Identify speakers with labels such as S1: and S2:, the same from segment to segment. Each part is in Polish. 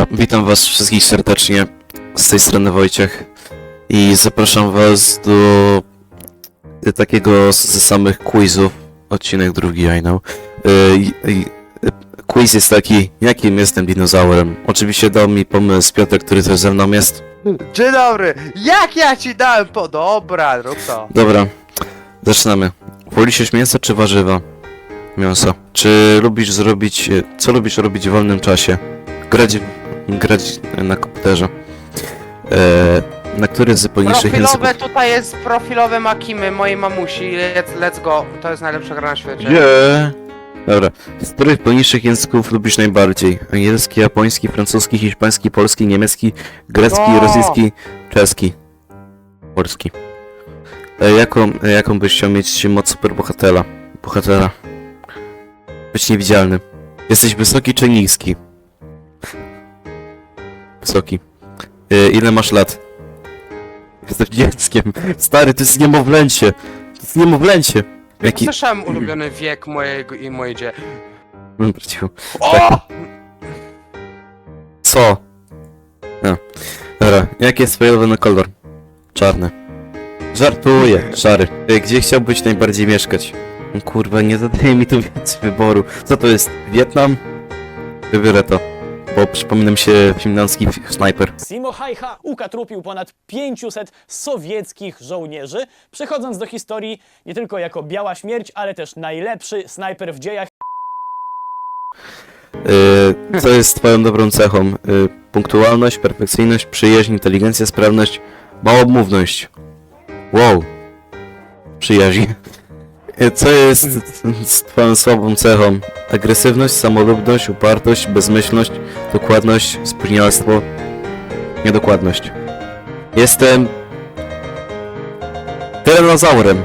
S1: witam was wszystkich serdecznie, z tej strony Wojciech i zapraszam was do takiego ze samych quizów, odcinek drugi, I know. Quiz jest taki, jakim jestem dinozaurem. Oczywiście dał mi pomysł Piotr, który też ze mną jest.
S2: Dzień dobry! Jak ja ci dałem po... Dobra, rób to.
S1: Dobra, zaczynamy. Wolisz mięso czy warzywa? Mięso. Czy lubisz zrobić... Co lubisz robić w wolnym czasie? Grać na komputerze. Na który z poniższych
S2: Profilowe
S1: języków...
S2: tutaj jest profilowe Makimy mojej mamusi. Let's go. To jest najlepsza gra na świecie.
S1: Nie. Dobra. Z których poniższych języków lubisz najbardziej? Angielski, japoński, francuski, hiszpański, polski, niemiecki, grecki,
S2: No.
S1: rosyjski, czeski. Polski. Jaką byś chciał mieć moc superbohatera? Bohatera. Być niewidzialny. Jesteś wysoki czy niski? Wysoki. Ile masz lat? Jesteś dzieckiem. Stary, to jest niemowlęcie. To jest niemowlęcie. Jaki...
S2: Słyszałem ulubiony wiek mojego i mojej dzie...
S1: Dobra, cicho.
S2: O!
S1: Co? No. Dobra, jaki jest twój ulubiony kolor? Czarny. Żartuję, szary. Gdzie chciałbyś najbardziej mieszkać? Kurwa, nie zadaje mi tu więcej wyboru. Co to jest? Wietnam? Wybiorę to. Bo przypomina mi się finlandzki snajper.
S3: Simo Hayha ukatrupił ponad 500 sowieckich żołnierzy, przechodząc do historii nie tylko jako biała śmierć, ale też najlepszy snajper w dziejach.
S1: Co jest twoją dobrą cechą? Punktualność, perfekcyjność, przyjaźń, inteligencja, sprawność, małomówność. Wow. Przyjaźń. Co jest twoją słabą cechą? Agresywność, samolubność, upartość, bezmyślność, dokładność, spóźnialstwo, niedokładność. Jestem... tyranozaurem.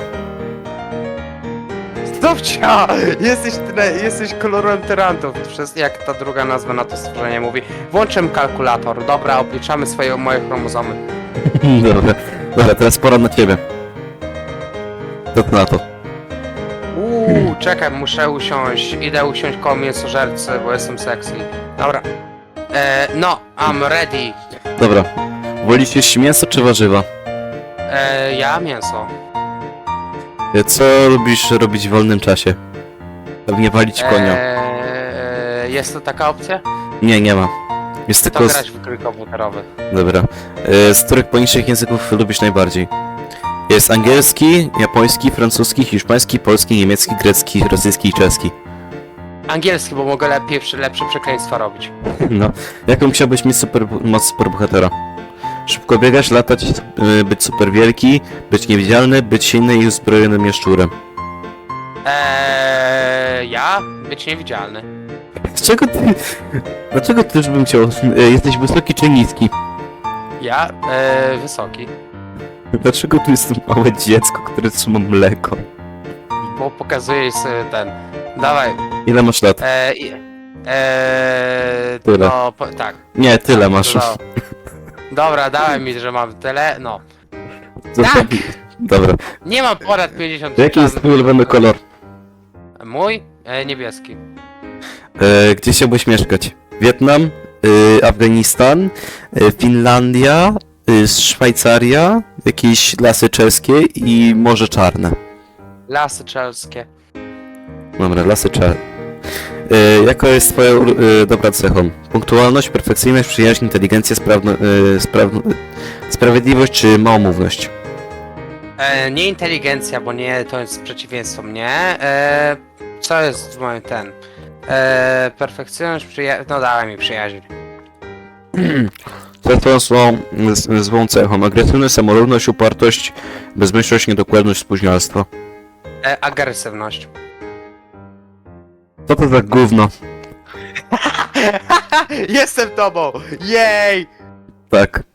S2: Zdobcia! Jesteś kolorem tyrantów. Przez jak ta druga nazwa na to stworzenie mówi. Włączę kalkulator. Dobra, obliczamy moje chromozomy.
S1: Dobra. Dobra, teraz pora na ciebie. Co ty na to?
S2: Czekaj, muszę usiąść. Idę usiąść koło mięsożercy, bo jestem sexy. Dobra. No, I'm ready.
S1: Dobra. Wolisz jeść mięso czy warzywa?
S2: Ja mięso.
S1: Co lubisz robić w wolnym czasie? Pewnie walić konia.
S2: Jest to taka opcja?
S1: Nie, nie ma. Jest
S2: To
S1: tylko...
S2: grać w gry komputerowe.
S1: Dobra. Z których poniższych języków lubisz najbardziej? Jest angielski, japoński, francuski, hiszpański, polski, niemiecki, grecki, rosyjski i czeski.
S2: Angielski, bo mogę lepsze przekleństwa robić.
S1: No. Jaką chciałbyś mieć moc superbohatera? Szybko biegać, latać, być super wielki, być niewidzialny, być silny i uzbrojonym jaszczurem.
S2: Ja? Być niewidzialny.
S1: Dlaczego ty już bym chciał... Jesteś wysoki czy niski?
S2: Ja? Wysoki.
S1: Dlaczego tu jest małe dziecko, które trzyma mleko?
S2: Bo pokazuje sobie ten... Dawaj.
S1: Ile masz lat? Tyle.
S2: No, tak.
S1: Nie, tyle masz.
S2: No. Dobra, dawaj mi, że mam tyle, no.
S1: Co-
S2: Tak!
S1: Dobra.
S2: Nie mam ponad 50
S1: Jaki jest twój ulubiony kolor?
S2: Mój? Niebieski.
S1: Gdzie chciałbyś mieszkać? Wietnam? Afganistan? Finlandia? Szwajcaria? Jakieś lasy czeskie i Morze Czarne.
S2: Lasy czelskie.
S1: Dobra, lasy czarne. Jaka jest twoja dobra cechą? Punktualność, perfekcyjność, przyjaźń, inteligencja, sprawiedliwość czy małomówność?
S2: Nie inteligencja, bo nie, to jest przeciwieństwo mnie. Co jest moim ten? Perfekcyjność, no dawaj mi przyjaźń.
S1: Co jest twoją złą cechą? Agresywność, samolubność, upartość, bezmyślność, niedokładność, spóźnialstwo.
S2: Agresywność.
S1: Co to za gówno?
S2: Jestem tobą! Jej!
S1: Tak.